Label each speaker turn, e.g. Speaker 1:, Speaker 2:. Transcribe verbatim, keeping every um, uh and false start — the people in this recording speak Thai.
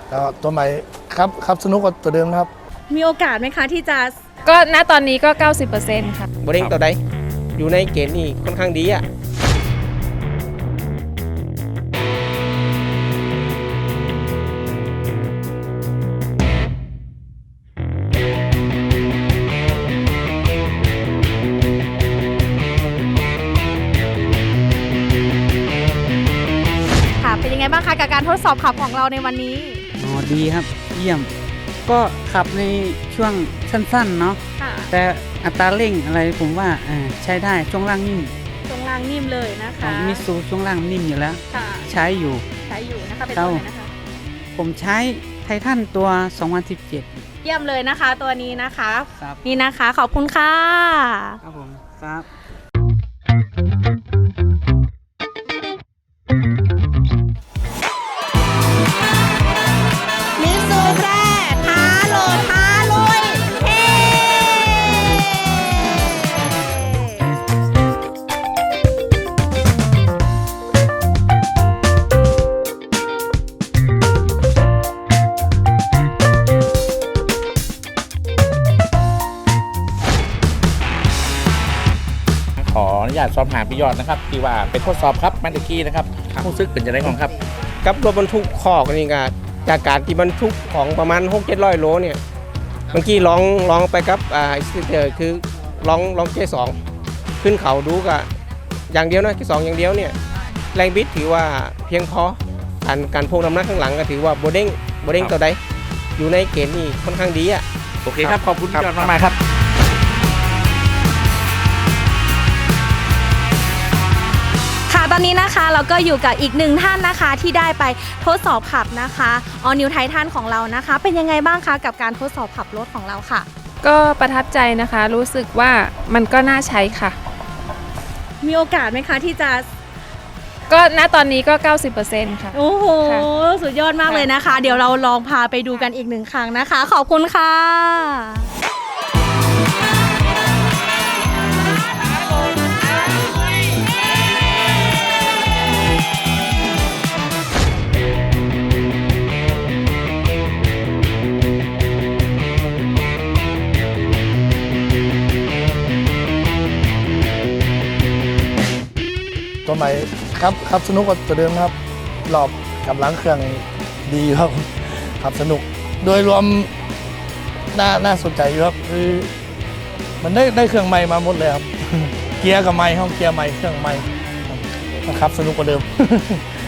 Speaker 1: แล้วตัวใหม่ครับครับสนุกกว่าตัวเดิมครับ
Speaker 2: มีโอกาสไหมคะที่จะ
Speaker 3: ก็ณตอนนี้ก็ เก้าสิบเปอร์เซ็นต์ ค่ะ
Speaker 4: โบเด้งตัวใดอยู่ในเกณฑ์นี่ค่อนข้างดีอ่ะ
Speaker 2: ค่ะเป็นยังไงบ้างคะกับการทดสอบขับของเราในวันนี้
Speaker 5: อ๋อดีครับเยี่ยมก็ขับในช่วงสั้นๆเนาะแต่อัตราเร่งอะไรผมว่าใช้ได้ช่วงล่างนิ่ม
Speaker 2: ช่วงล่างนิ่มเลยนะคะ
Speaker 5: มิซูช่วงล่างนิ่มอยู่แล้วใช้อยู่
Speaker 2: ใช้อยู่นะคะเป็นตัวไหนนะคะ
Speaker 5: ผมใช้ไททันตัวสองพันสิบเจ็ด
Speaker 2: เยี่ยมเลยนะคะตัวนี้นะคะนี่นะคะขอบคุณค่ะ
Speaker 5: ครับผมครับ
Speaker 2: มิซูแพร่ท้าโหลดท้าลุยเฮ้
Speaker 6: ขออนุญาตสอบถามพี่ยอดนะครับที่ว่าไปทดสอบครับมันตะกี้นะครับผู้ซึกเป็นจะได้ของครับ
Speaker 4: กับรถบรรทุกคอกนี่ก็จากการที่บรรทุกของประมาณหกเจ็ดร้อยโลเนี่ยเมื่อกี้ลองลองไปกับอ่าสเตอร์คือลองลองเกสองขึ้นเขาดูก็อย่างเดียวนะเกสองอย่างเดียวเนี่ยแรงบิดถือว่าเพียงพอการการพวงน้ำหนักข้างหลังก็ถือว่าโบเด้งโบเด้งตัวใดอยู่ในเกณฑ์นี่ค่อนข้างดีอ่ะ
Speaker 6: โอเคครับขอบคุณพี่ยอดมากๆครับ
Speaker 2: ค่ะตอนนี้นะคะเราก็อยู่กับอีกหนึ่งท่านนะคะที่ได้ไปทดสอบขับนะคะ All New Titan ของเรานะคะเป็นยังไงบ้างคะกับการทดสอบขับรถของเราค่ะ
Speaker 3: ก็ประทับใจนะคะรู้สึกว่ามันก็น่าใช้ค่ะ
Speaker 2: มีโอกาสไหมคะที่จะ
Speaker 3: ก็ณตอนนี้ก็ เก้าสิบเปอร์เซ็นต์ ค่ะ
Speaker 2: โอ้โหสุดยอดมากเลยนะคะเดี๋ยวเราลองพาไปดูกันอีกหนึ่งครั้งนะคะขอบคุณค่ะ
Speaker 1: ตัวใหม่ครับครับสนุกกว่าตัวเดิมครับรอบกำลังเครื่องดีครับขับสนุกโดยรวมน่าน่าสนใจอยู่ครับคือมันได้ได้เครื่องใหม่มาหมดเลยครับเกียร์กับใหม่ห้องเกียร์ใหม่เครื่องใหม่ครับสนุกกว่าเดิม